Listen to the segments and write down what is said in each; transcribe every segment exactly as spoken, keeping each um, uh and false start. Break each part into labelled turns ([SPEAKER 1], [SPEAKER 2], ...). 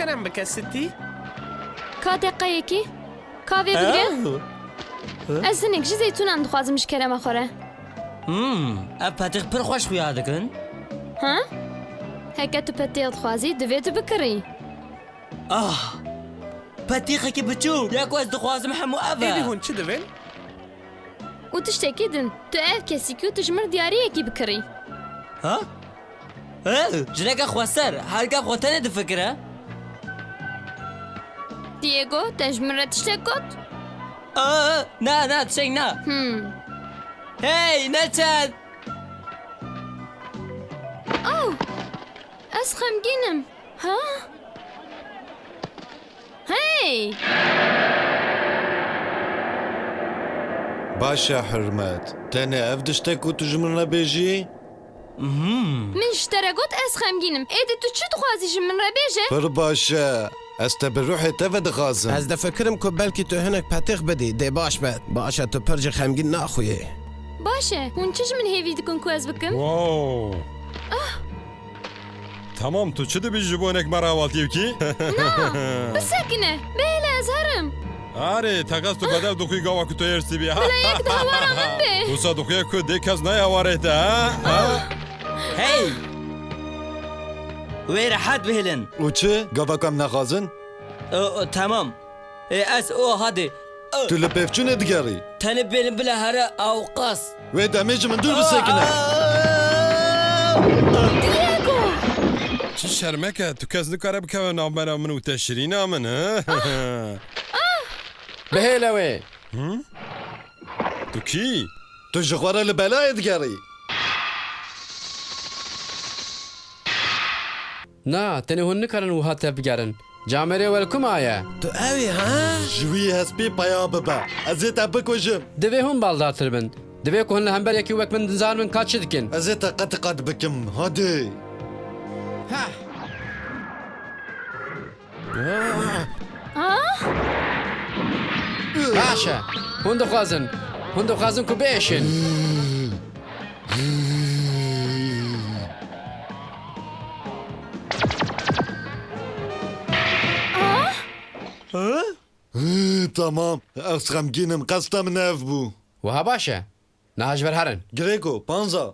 [SPEAKER 1] kerem bike stî?
[SPEAKER 2] Ka deqeyekî? Kavê bige? Ez hinek ji zeytûnan dixwazim ji kerema xwe re.
[SPEAKER 3] Hmm, ev petix pir xweş xuya dikin.
[SPEAKER 2] Ha? Heke tu petêl dixwazî divê tu bikirî.
[SPEAKER 3] Ah, petixekî biçûk. Ya ku ez dixwazim hemû ev
[SPEAKER 1] Êdî
[SPEAKER 3] e.
[SPEAKER 1] hûn çi dibin?
[SPEAKER 2] û tiştekî din, tu ev kesikî û tu ji min diyariyekî bikirî.
[SPEAKER 3] Ha? He, jineka xweser, hergev xwe tenê difikire?
[SPEAKER 2] Diego, te ji min re tiştek got?
[SPEAKER 3] Aa, na na tişek na.
[SPEAKER 2] Hmm.
[SPEAKER 3] Hey, neçen?
[SPEAKER 2] Oh! Ez xemgînim. Ha? Hey!
[SPEAKER 4] Başa Hürmet, tenê ev diştek ku tu ji min re bêjî?
[SPEAKER 2] Min ji te re got ez xemgînim. Êdî tu çi dixwazî ji min re bêje?
[SPEAKER 4] Pir baş e. Ez te bi ruhê te ve dixwazim.
[SPEAKER 5] Ez difikirim ku belkî tu hinek petix bidî dê baş be. Baş e tu pir jî xemgîn naxuyê.
[SPEAKER 2] Baş e, hûn çi ji min hêvî dikin ku ez bikim?
[SPEAKER 6] Wow. Tamam tu çi dibî ji bo hinek me re hewaltiyê bikî?
[SPEAKER 2] Bisekine, bêhêle ez herim.
[SPEAKER 6] Arê teqas tu bedel dixwî gava ku tu êrî bî ha?
[SPEAKER 2] Yek di hewara min bê.
[SPEAKER 6] Wisa dixuye ku dê kes naya warê te ha? Ha?
[SPEAKER 3] Hey! Wê rehet bihêlin.
[SPEAKER 4] û çi? Gavak em naxwazin?
[SPEAKER 3] Tamam. E, ez o hadi.
[SPEAKER 4] Tu li pevçûnê digerî.
[SPEAKER 3] Tenê bêlin bile here ew qas.
[SPEAKER 4] Wê demê ji min dûr bisekine.
[SPEAKER 2] Diego!
[SPEAKER 6] Çi şermeke tu kes nikare bikeve navbera min û te şirîna min ha?
[SPEAKER 5] Bihêle wê.
[SPEAKER 6] Tu kî?
[SPEAKER 4] Tu ji xwe re li belayê digerî.
[SPEAKER 7] Na, tenê hûn nikarin wiha te bigerin. Camerê welkum aye.
[SPEAKER 5] Tu evî ha?
[SPEAKER 4] Ji wî hespê peya bibe. Ez ê te bikujim.
[SPEAKER 7] Divê hûn baldartir bin. Divê ku hûn li hemberekî wek min dizan min ka çi dikin.
[SPEAKER 4] Ez ê te qet qet bikim. Hadi.
[SPEAKER 7] Baş e. Hûn dixwazin. Hûn dixwazin ku bêşin.
[SPEAKER 4] Tamam. Ez xemgînim. Qesta min ev bû.
[SPEAKER 7] Wiha baş e. Niha ji ber herin.
[SPEAKER 4] Grêko, panza.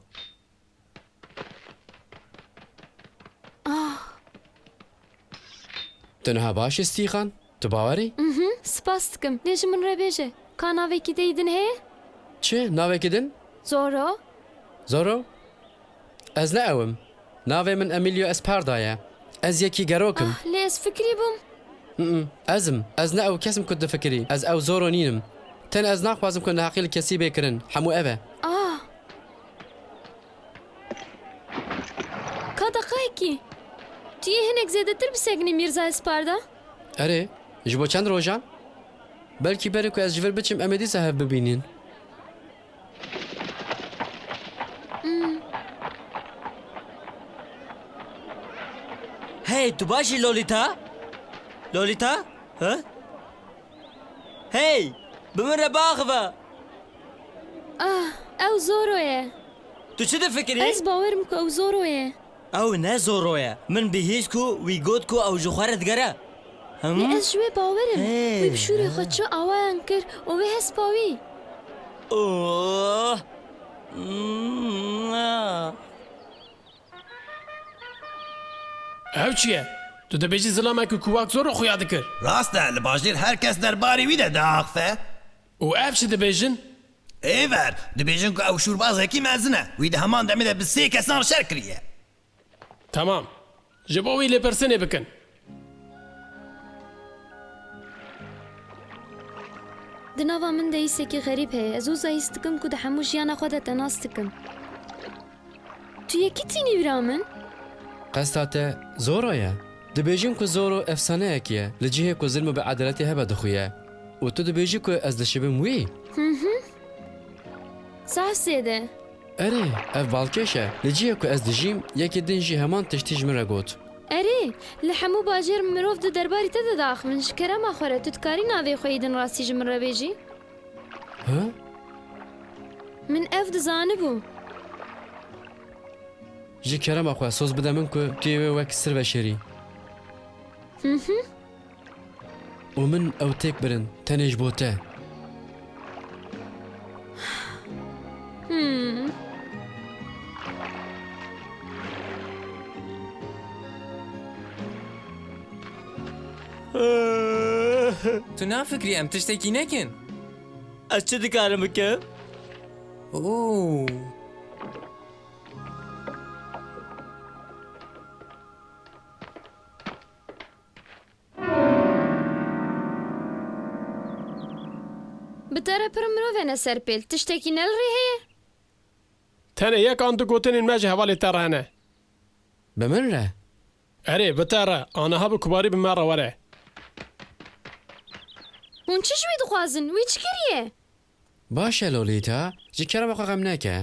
[SPEAKER 7] Tu niha baş istîxan? Tu bawerî?
[SPEAKER 2] Spas dikim. Lê ji min re bêje. Ka navekî te din heye?
[SPEAKER 7] Çi? Navekî din?
[SPEAKER 2] Zoro?
[SPEAKER 7] Zoro? Ez ne ewim. Navê min Emilio Esparda ye. Ez yekî gerokim.
[SPEAKER 2] Ah, lê ez fikrî bûm.
[SPEAKER 7] Mm, ezim. Ez ne ew kesim ku difikirî. Ez ew Zoro nînim. Ten ez naxwazim ku neheqî li kesî bêkirin. Hemû ev e.
[SPEAKER 2] Ah! Ka deqeyekî. Tu yê hinek zêdetir bisekînî Mirza Esparda?
[SPEAKER 7] Erê, ji bo çend rojan? Belkî berê ku ez ji vir biçim em ê dîsa hev bibînin.
[SPEAKER 3] Hey, tu başî Lolita? Lolita? Ha? Hey! Bi min re biaxive.
[SPEAKER 2] Ah, ew Zoro ye.
[SPEAKER 3] Tu çi difikirî?
[SPEAKER 2] Ez bawerim ku ew Zoro ye.
[SPEAKER 3] Ew ne Zoro ye. Min bihîst ku wî got ku ew ji xwe re digere.
[SPEAKER 2] Lê ez ji wê bawerim.
[SPEAKER 3] Hey.
[SPEAKER 2] Wî bi şûrê xwe çi awayan kir û wê hespa wî.
[SPEAKER 3] Oh. Mm.
[SPEAKER 8] Ev çi ye? Tu dibêjî zilamekî ku wak zor xuya dikir.
[SPEAKER 9] Rast e li bajêr herkes derbarê wî de diaxife.
[SPEAKER 8] û ev çi dibêjin?
[SPEAKER 9] Ê ver, dibêjin ku ew şûrbazekî mezin e. Wî di heman demê de bi sê kesan şer kiriye.
[SPEAKER 8] Tamam. Ji bo wî lêpirsînê bikin.
[SPEAKER 2] Di nava min de îsekî xerîb heye. Ez û zayîs dikim ku di hemû jiyana xwe de te nas dikim. Tu yekî tînî wîra min?
[SPEAKER 7] Qesta te Zoro ye. Dibêjin ku Zoro efsaneyekî ye. Li cihê ku zilm û beadeletê hebe dixuye. û tu dibêjî ku ez dişibim wî.
[SPEAKER 2] Sahsê de.
[SPEAKER 7] Erê, ev balkêş e. Li cihê ku ez dijîm, yekê din jî heman tiştî ji min re got.
[SPEAKER 2] Erê, li hemû bajêr mirov di derbarî te de daxivin. Ji kerema xwe re tu dikarî navê xwe yîdin rastî ji min re bêjî?
[SPEAKER 7] Ha?
[SPEAKER 2] Min ev dizanibû.
[SPEAKER 7] Ji kerema xwe soz bide min ku tu yê wê wek sir veşerî. ومن ئەو تێک برن تەنێژ بۆ تە.
[SPEAKER 1] تو نافکری ئەم تشتێکی نەکەن.
[SPEAKER 3] ئەس چ دکارم بکەم؟
[SPEAKER 1] ئۆ
[SPEAKER 2] بتەرە پڕ مرۆڤێنە سەر پێل تشتێکی نەڵڕی هەیە؟
[SPEAKER 8] تەنە یەکان دوگوتنین مەژ هەواڵی تەڕهەنە.
[SPEAKER 7] بە من رە؟
[SPEAKER 8] ئەرێ بتەرە ئانەها بە کوباری بمەڕە وەرە.
[SPEAKER 2] هون چ شوی دخوازن وی چ کردیە؟
[SPEAKER 7] باشە لۆلیتا جی کەرە بە قەغەم نەکە.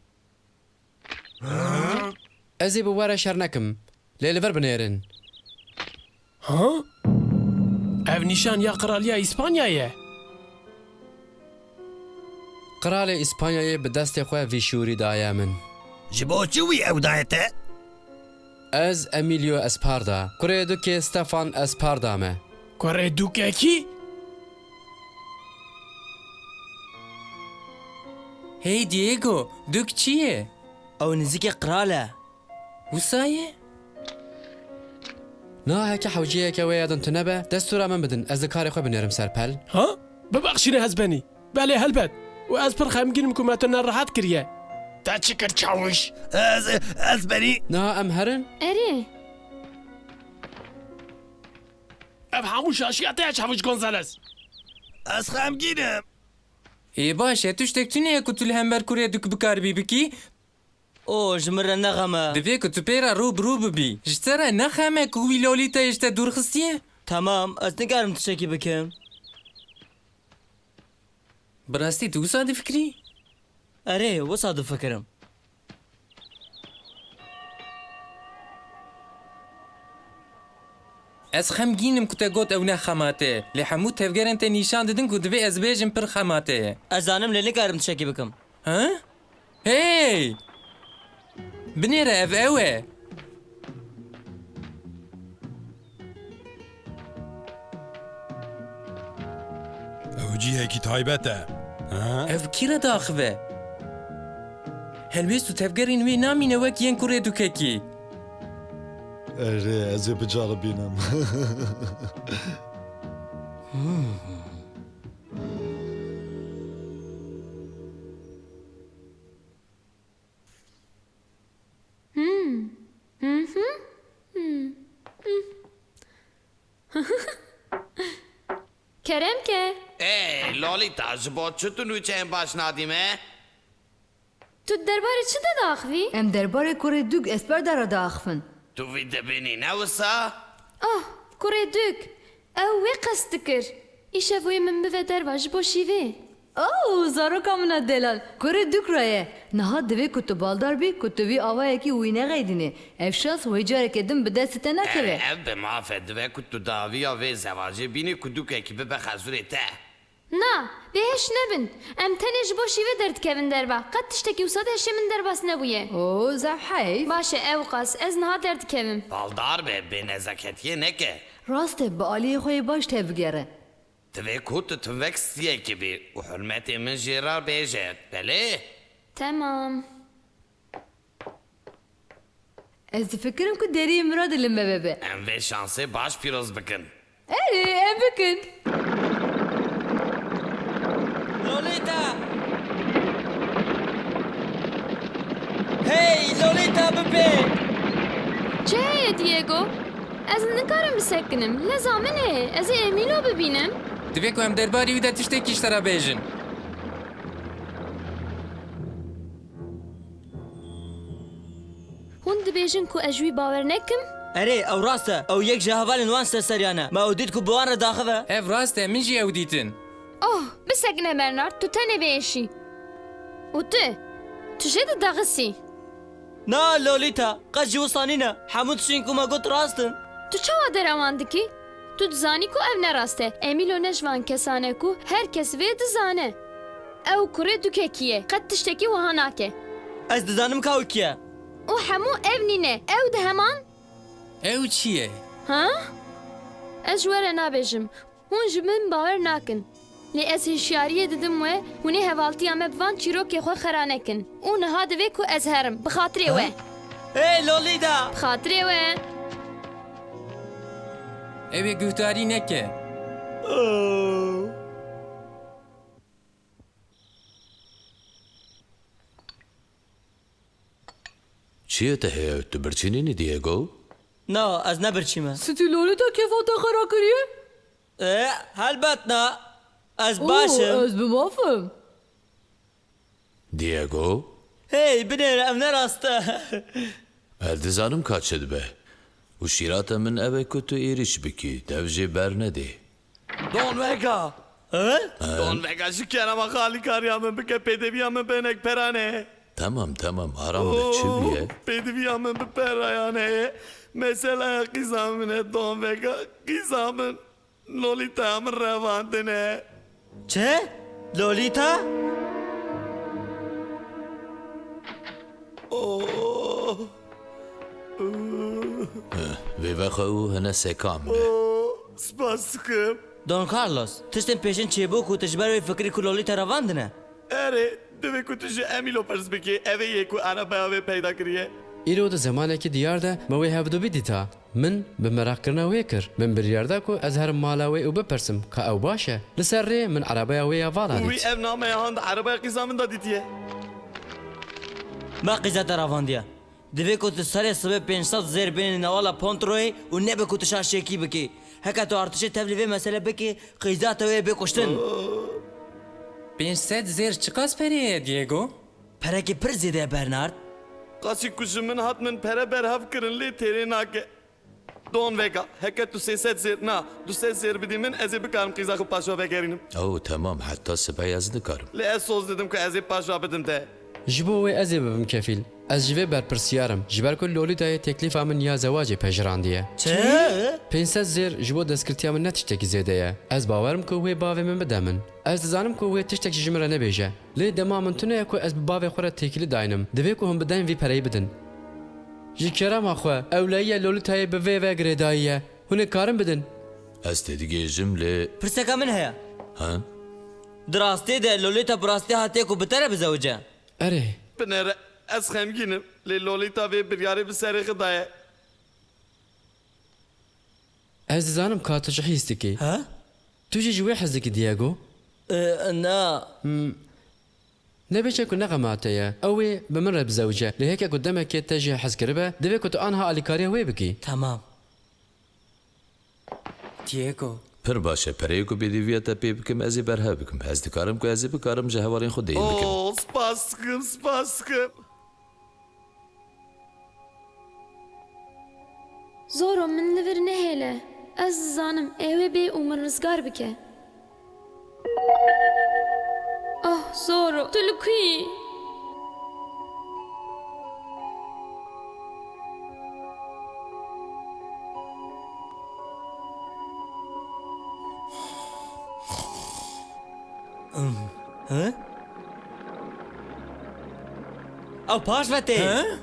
[SPEAKER 7] ئەزێ بە وەرە شەر نەکەم لێ لەبەر بنێرن.
[SPEAKER 8] ها؟ ئەڤ نیشان یا قرالیە ئیسپانیایە.
[SPEAKER 7] قرالێ ئیسپانیایە بە دەستێ خۆی ڤیشوری دایە من.
[SPEAKER 9] ji bo çi wî ew daye te?
[SPEAKER 7] Ez Emilio Esparda. Kurê dukê Stefan Esparda me.
[SPEAKER 8] کوڕێ دووکێکی؟
[SPEAKER 1] هی دیێگۆ دوک چییە؟
[SPEAKER 3] ئەو نزیکە قرالە.
[SPEAKER 1] وسایە؟
[SPEAKER 7] ناهێکە حەوجەیەکە وێ یادن تو نەبە دەستورا من بدن ئەز کارێ خۆ بنێرم سەر پەل.
[SPEAKER 8] ها؟ ببەخشینە هەزبەنی. بەڵێ هەلبەت و ئەس پڕ خەمگینم کومەتە نەڕەحەت کردیە. تا چی کرد چاوش؟
[SPEAKER 9] Ez ez berî
[SPEAKER 7] نا ئەم هەرن؟
[SPEAKER 2] ئەرێ
[SPEAKER 8] ئەڤ هەموو شاشیاتەیە چاوش گۆنزەلەس.
[SPEAKER 9] ez xemgînim.
[SPEAKER 1] ê baş e tu ştek tuneye ku tu li hember kurê duk bikaribî bikî?
[SPEAKER 3] ئۆ ji min re nexeme.
[SPEAKER 1] Divê ku tu pêra rû birû bibî. Ji te re nexeme ku wî lolîtayê ji te dûrxistiye?
[SPEAKER 3] Tamam ez nikarim tiştekî bikim.
[SPEAKER 1] Bi rastî tu wisa difikrî?
[SPEAKER 3] Erê wisa difikirim.
[SPEAKER 1] Ez xemgînim ku te got ew ne xemate. Lê hemû tevgerên te nîşan didin ku divê ez bêjim pir xemate ye.
[SPEAKER 3] Ez zanim lê nikarim tiştekî bikim.
[SPEAKER 1] Ha? Hey! Binêre ev ew e.
[SPEAKER 6] ئەو جیهێکی تایبەتە.
[SPEAKER 1] Ev kî re daxive? Helbêst û tevgerên wê namîne wek yên kurê dukekî.
[SPEAKER 4] Erê ez ê bicaribînim.
[SPEAKER 2] Kerem ke?
[SPEAKER 10] Ey Lolita ji bo çi tu nûçeyên baş nadî me?
[SPEAKER 2] Tu derbarê çi de daxivî?
[SPEAKER 11] Em derbarê kurê dûk Esparda re diaxivin.
[SPEAKER 10] Tu vî dibînî ne wisa?
[SPEAKER 2] Ah, kurê dûk. Ew wê qest dikir. Îşev wê min bive derva ji bo şîvê.
[SPEAKER 11] Oh, zaroka min e delal. Kurê dûk re ye. Niha divê ku tu baldar bî ku tu vî avayekî wî neqeydînê. Ev şans wê carekê din bi destê te nekeve.
[SPEAKER 10] Ev bi mafê divê ku tu daviya vê zevacê bînî ku dûkekî bibe xezûrê te.
[SPEAKER 2] Na, bêhêş nebin. Em tenê ji bo şîvê derdikevin derva. Qet tiştekî wisa de hişê min derbas nebûye.
[SPEAKER 11] Oh, zev heyv.
[SPEAKER 2] Baş e ew qas, ez niha derdikevim.
[SPEAKER 10] Baldar be bê nezaketiye neke.
[SPEAKER 11] Rast e bi aliyê xwe yê baş tevgere.
[SPEAKER 10] Divê ku tu tivek stiyekî bî û hurmetê min jê re bêje. Belê?
[SPEAKER 2] Tamam.
[SPEAKER 11] Ez difikirim ku deriyê min re dilim be bebe.
[SPEAKER 10] Em vê şansê baş pîroz bikin.
[SPEAKER 11] Erê, em bikin.
[SPEAKER 3] Lolita! Hey Lolita bibe!
[SPEAKER 2] Çi heye Diego? Ez nikarim bisekinim. Leza min heye. Ez ê Emîlo bibînim.
[SPEAKER 1] Divê ku em derbarî wî de tiştekî ji te re bêjin.
[SPEAKER 2] Hûn dibêjin ku ez jî wî bawer nekim?
[SPEAKER 3] Erê ew rast e. Ew yek ji hevalên wan serseriyan e. Me ew dît ku bi wan re daxive.
[SPEAKER 1] Ev rast e min jî ew dîtin.
[SPEAKER 2] Oh, bisekine Bernard, tu tenê bêşî. û tu, tu jê didaxisî.
[SPEAKER 3] Na Lolita, qet jî wisa nîne. Hemû tiştên ku me got rast in.
[SPEAKER 2] Tu çawa derawan dikî? Tu dizanî ku ev nerast e. Emîlo ne ji van kesan e ku her kes vê dizane. Ew kurê dukekî ye. Qet tiştekî wiha nake.
[SPEAKER 3] Ez dizanim ka ew kî ye.
[SPEAKER 2] û hemû ev nîne. Ew di heman?
[SPEAKER 1] Ew çi ye?
[SPEAKER 2] Ha? Ez ji we re nabêjim. Hûn ji min bawer nakin. Lê ez hişyariyê didim we hûnê hevaltiya me bi van çîrokê xwe xera nekin. û niha divê ku ez herim bi xatirê we.
[SPEAKER 3] Hey Lolita!
[SPEAKER 2] Bi xatirê we.
[SPEAKER 1] Ev ê guhdarî neke.
[SPEAKER 3] Oh.
[SPEAKER 9] چیه ته هی تو برچینی نی دیگو؟
[SPEAKER 3] نا از نبرچیمه
[SPEAKER 11] Stî Lolita kêfa te xera kiriye?
[SPEAKER 3] اه هلبت نا از
[SPEAKER 11] Oo,
[SPEAKER 3] باشم
[SPEAKER 11] ez bi mafim.
[SPEAKER 9] دیگو؟
[SPEAKER 3] هی بنر ام نراسته
[SPEAKER 9] الدزانم کاچد به و شیرات من اوه کتو ایریش بکی دوجه بر ندی
[SPEAKER 10] دون وگا
[SPEAKER 3] ها؟
[SPEAKER 10] دون وگا şu kenama خالی کاریامın بکه پیدویامın benek perane.
[SPEAKER 9] تمام تمام آرام ده چی بیه؟
[SPEAKER 10] پیدویامın bir perayane. Mesela kızamın don vega kızamın Lolita'mın revandine.
[SPEAKER 3] چه؟ لولیتا؟
[SPEAKER 10] Oh.
[SPEAKER 9] وی وقت او هنه سکام ده
[SPEAKER 10] Spas sıkım.
[SPEAKER 3] دون کارلوس تشتن پیشن چی بو کو تجبر وی فکری کو لولیتا رواندنه
[SPEAKER 10] Ere deve kutucu Emilo pers beki eve yeku arabaya ve peyda kiriye.
[SPEAKER 7] ئیرۆ دە زمانێکی دیار de مەوەی هەبدوبی دیتا من بە مەراقکردنا وێ کرد من بریاردا کو ئەز هەرم مالاوێ و بپرسم کە ئەو باشە لەسەر ڕێ من عربەیە وەیە
[SPEAKER 10] Uy
[SPEAKER 7] ڤاڵانیت
[SPEAKER 10] ev namaya hand arabaya kızamın da ditiye.
[SPEAKER 3] ما قیزت رواندیه دوی کو تو سر سبب پنجصد زیر بین نوالا پونتروی و نبه کو تو شاشکی بکی هکا تو ارتش تبلیغ مسئله بکی قیزت وی بکشتن
[SPEAKER 1] پێنج زێر چ قاس پەرەیە دیێگۆ؟
[SPEAKER 3] پرکی پر زیده برنارد
[SPEAKER 10] Kasi kuşumun hatmin pere berhav kırınlı teri nake. Don vega heke tu seset zer na tu ses zer bidimin eze bikarım kızakı paşa vegerinim.
[SPEAKER 9] او تمام حتی سبای از نکارم
[SPEAKER 10] Le ez soz dedim ki eze paşa bidim te.
[SPEAKER 7] ji bo wê ez ê bibim kefîl ez ji vê berpirsiyarım ji ber ku Lolîtayê teklîfa min ya zewacê pejrandiye
[SPEAKER 3] چه؟
[SPEAKER 7] پێنج zêr ji bo destskirtiya min ne tiştekî zêde ye ez bawerim ku wê bavê min bide min ez dizanim ku wê tiştek ji min re nebêje lê dema min tune ye ku ez bi bavê xwe re têkilî daynim divê ku hûn bidin vî pereyê bidin ji kerema xwe ewleyiya Lolîtayê bi vê ve girêdayiye hûn ê karin bidin
[SPEAKER 9] از تدیگه جمله
[SPEAKER 3] پرسکا من هیا
[SPEAKER 9] ها؟
[SPEAKER 3] دراستی ده لولیتا براستی هاتی کو بتره بزوجه
[SPEAKER 7] erê
[SPEAKER 10] Binere ez xemginim. Le Lolita ve bir yarı bir seri gıdaya.
[SPEAKER 7] ez dizanim ka tu ji hîs dikî
[SPEAKER 3] ها؟
[SPEAKER 7] tu jî ji wê hez dikî Diego
[SPEAKER 3] اه، نه
[SPEAKER 7] nebêje ku neqemate ye ew ê bi min re bizewce lê heke ku demekê te jî hez kiribe divê ku tu anha alîkariya wê bikî
[SPEAKER 3] تمام
[SPEAKER 1] دیێگۆ
[SPEAKER 9] پر باشه پره کو بیدیویا تا پی بکم ازی برها بکم از دکارم که ازی بکارم جهوارین خود دیل بکم
[SPEAKER 10] Oo spas sıkım spas sıkım.
[SPEAKER 2] Zoro min li vir nehêle. Ez dizanim ew ê bê û min rizgar bike. Ah Zoro tu li ku yî?
[SPEAKER 3] ها؟ او پاش وتی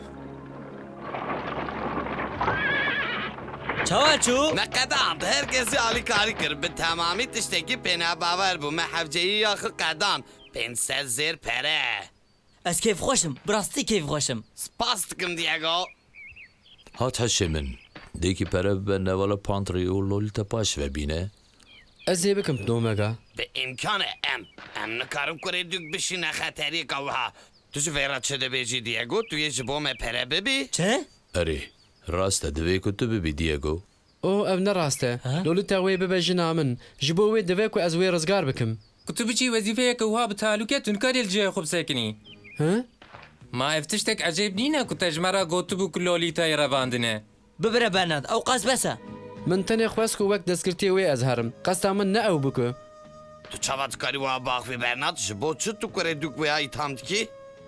[SPEAKER 3] چاوا چو؟
[SPEAKER 10] Ne kadar herkesi alikari kır. Bir tamamı tişteki pena bavar bu. Mehevceyi yakı kadan. Penset zir pere.
[SPEAKER 3] از کیف خوشم براستی کیف خوشم
[SPEAKER 10] Spas tıkım Diego.
[SPEAKER 9] هات هشه من دیکی پره به نوالا پانتری و لولیتا پاش و بینه
[SPEAKER 7] ez ê bikim domega
[SPEAKER 10] Be imkanı em. Em nıkarım kure dük bişine xateri kavha. Tuşu verat çede beji Diego. Tu yeji bo me pere bebi.
[SPEAKER 3] چه؟
[SPEAKER 9] اری راست دوی که تو ببی دیگو
[SPEAKER 7] o ev ne rast e Lolîta wê bibe jina min ji bo wê divê ku ez wê rizgar bikim
[SPEAKER 1] ku tu biçî wezîfeyeke wiha bi talûkê tu nikarî li cihê xwe bisekinî
[SPEAKER 7] hı
[SPEAKER 1] ma ev tiştek ecêb nîne ku te ji me re gotibû ku Lolîtayê revandine
[SPEAKER 3] ببره برنارد او قاس بسه
[SPEAKER 7] min tenê xwest ku wek destskirtiye wê ez herim qesta min ne ew biku
[SPEAKER 10] Tu çava tıkarı wa bak ve bernat. Ji bo çı tu kure dük veya itham ki.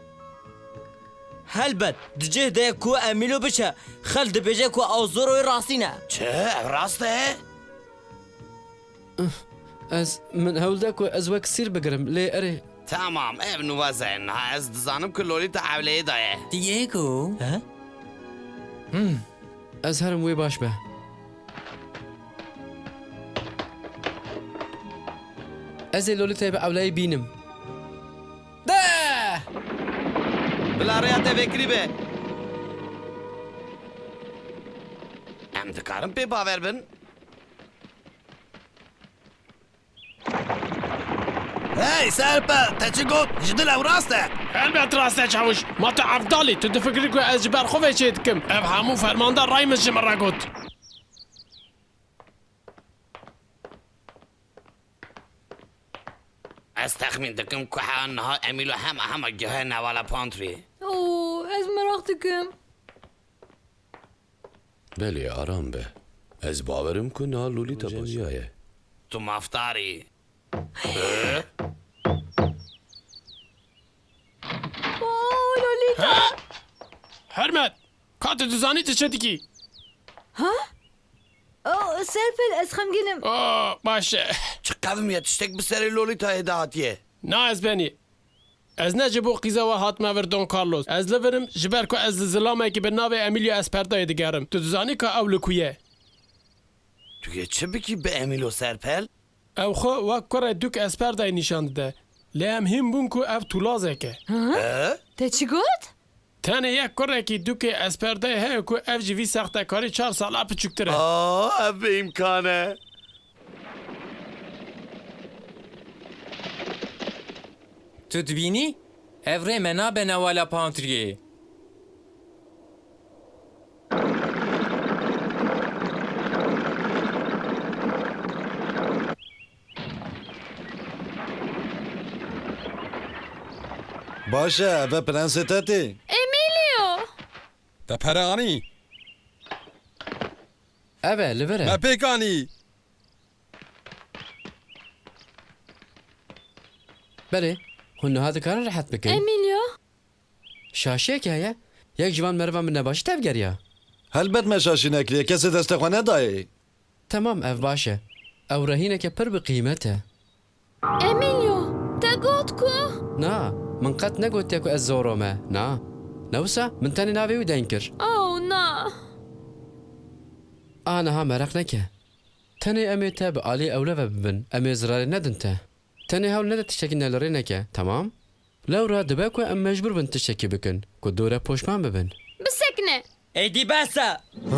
[SPEAKER 3] هلبت دجه ده کو امیلو بشه خل دبیجه کو او زوروی راستی نه
[SPEAKER 10] Çe ev rast e.
[SPEAKER 7] ez min hewlda ku ez wek sîr bigirim lê erê
[SPEAKER 10] Tamam ev nuva zen. Ha ez dizanım ki Lolita evleye daye.
[SPEAKER 1] دیێگۆ
[SPEAKER 3] ها؟
[SPEAKER 7] ez herim wê baş be Ez ê Lolita'yı bi ewlayê bînim. De!
[SPEAKER 10] Bila rêya te vekirî be. Em dikarin pê bawer bin?
[SPEAKER 5] Hey سرپل تا چی گفت؟ جدل او راسته؟
[SPEAKER 8] البت راسته چاوش ما تو افضلی تو دفکری که از جبر خوفه چه دکم اب همو فرماندار رای مش مرا گوت
[SPEAKER 10] Ez texmin dikim ku ha niha Emîl û hema hema gihe newala pantry.
[SPEAKER 11] اوه از مراق دکم
[SPEAKER 9] بله آرام به Ez bawerim ku niha Lolita boziyaye.
[SPEAKER 10] Tu maftarî.
[SPEAKER 11] اوه لولیتا
[SPEAKER 8] حرمت کات دزانی چه دیکی
[SPEAKER 11] اوه سرپل از خمگینم
[SPEAKER 8] آه باشه
[SPEAKER 10] Çi qevim ye tiştek bi serê Lolitayê de hatiye.
[SPEAKER 8] نه از بینی از نه جبو قیزه و هاتمه ور دون کارلوس از لورم جبر که از زلامه که به ناو امیلیا اسپردای دگرم تو دزانی که او لکویه
[SPEAKER 10] Tu yê çi bikî bi Emîl û Serpel?
[SPEAKER 8] او خو وک کره دوک اسپردای نشان ده لی ام هم بون که او تولازه
[SPEAKER 11] تا چی گفت؟
[SPEAKER 8] تنه یک کره که دوک اسپردای هی که او جوی سخته کاری چهار ساله پچکتره
[SPEAKER 10] Aa, ev bi imkane.
[SPEAKER 1] Tu dibînî? Ev rê me nabe newala pantriyê.
[SPEAKER 4] باشه اوه پرنسێتەتێ
[SPEAKER 2] امیلیو
[SPEAKER 6] Te peranî,
[SPEAKER 7] Ev e li vir e.
[SPEAKER 6] me pêkanî.
[SPEAKER 7] Belê, hûn niha dikarin rehet bikin.
[SPEAKER 2] امیلیو
[SPEAKER 7] Şaşiyekî heye? Yek civan merva min nebaşî tevgeriya.
[SPEAKER 4] هەلبەت me şaşî nekiriye kesê destexwe nedayê
[SPEAKER 7] Tamam ev baş e. Ew rehîneke pir bi qîmet e.
[SPEAKER 2] امیلیو te got ku
[SPEAKER 7] Na, min qet negotiye ku ez zoro me. Na. Newsa min tenê navê wî deyn kir.
[SPEAKER 2] oh na
[SPEAKER 7] A niha mereq neke. Tenê em ê te bi alî ewleve bibin. Em ê zirarê nedin te. Tenê hewl nede tiştekî nelerê neke. Tamam? Lewra dibe ku em mecbûr bin tiştekî bikin. Ku dore poşman bibin.
[SPEAKER 2] bisekne
[SPEAKER 3] ایدی بسه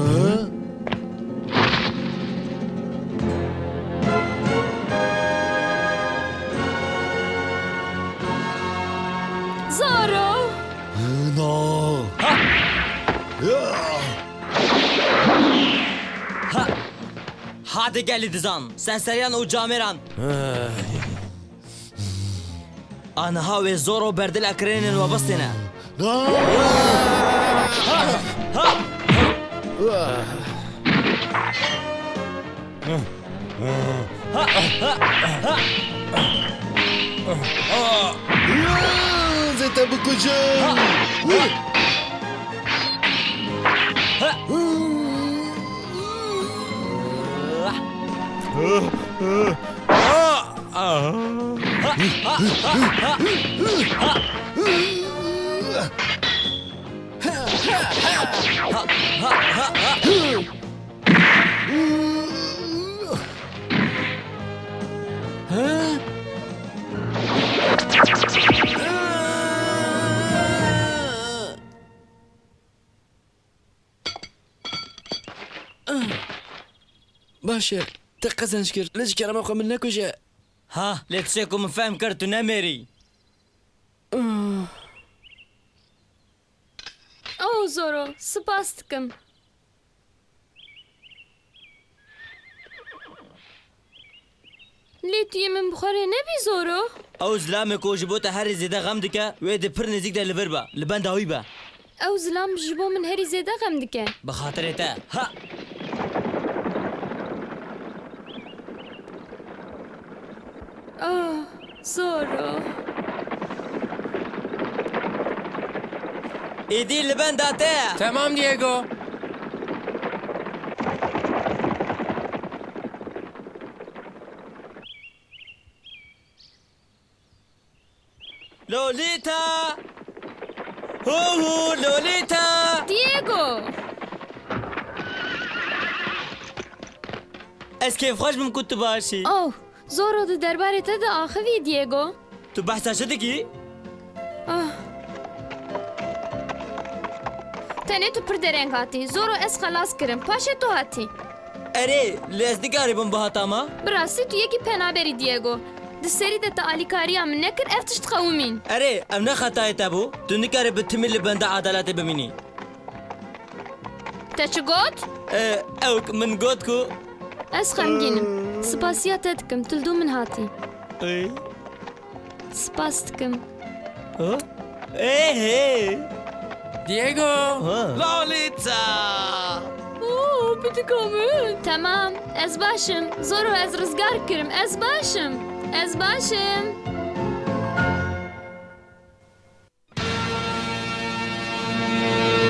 [SPEAKER 2] زارو
[SPEAKER 4] No.
[SPEAKER 3] Hadi gel dizan. Sen seriyan o cameran. Anha ve zoro berdil akrenin ve bastine.
[SPEAKER 4] Zete bukujum.
[SPEAKER 7] باشه te qezenç kir. Lê ji kerema xwe min nekuje.
[SPEAKER 3] Ha, letişe ku min fehm kir tu nemêrî.
[SPEAKER 2] oh zoro spas dikim lê tu yê min bixwarê nebî zoro
[SPEAKER 3] Ew zilamê ku ji bo te herî zêde xem dike wê di pir nêzik de li vir be. Li benda wî be.
[SPEAKER 2] ew zilam ji bo min herî zêde xem dike
[SPEAKER 3] Bi xatirê te. Ha.
[SPEAKER 2] oh zoro
[SPEAKER 3] Êdî li benda te.
[SPEAKER 1] Tamam Diego.
[SPEAKER 3] Lolita! Hu hu Lolita!
[SPEAKER 2] Diego
[SPEAKER 3] Ez kêfxweş bim ku tu başî.
[SPEAKER 2] oh زۆرۆ di derbarê te de axivî Diego.
[SPEAKER 3] Tu behsa çi dikî?
[SPEAKER 2] Ah. Tenê tu pir dereng hatî. Zoro ez xelas kirim. Paşê tu hatî.
[SPEAKER 3] Erê, lê ez dikarî bim bi hatama?
[SPEAKER 2] Bi rastî tu yekî penaberî Diego. Di serî de te alîkariya min nekir ev tişt qewimîn.
[SPEAKER 3] Erê, ev ne xetayê te bû? Tu nikarî bi timî li benda adaletê bimînî.
[SPEAKER 2] Te çi got?
[SPEAKER 3] Ee, ew min got ku
[SPEAKER 2] Ez xemgînim. Spasiya te dikim. Tildû min hatî.
[SPEAKER 3] Ey,
[SPEAKER 2] Spas dikim.
[SPEAKER 3] ha? Ey hey.
[SPEAKER 1] Diego!
[SPEAKER 10] Lolita!
[SPEAKER 2] Oo, bitik min. Tamam, ez başım. Zoro ez rizgar kirim. Ez başım. Ez başım.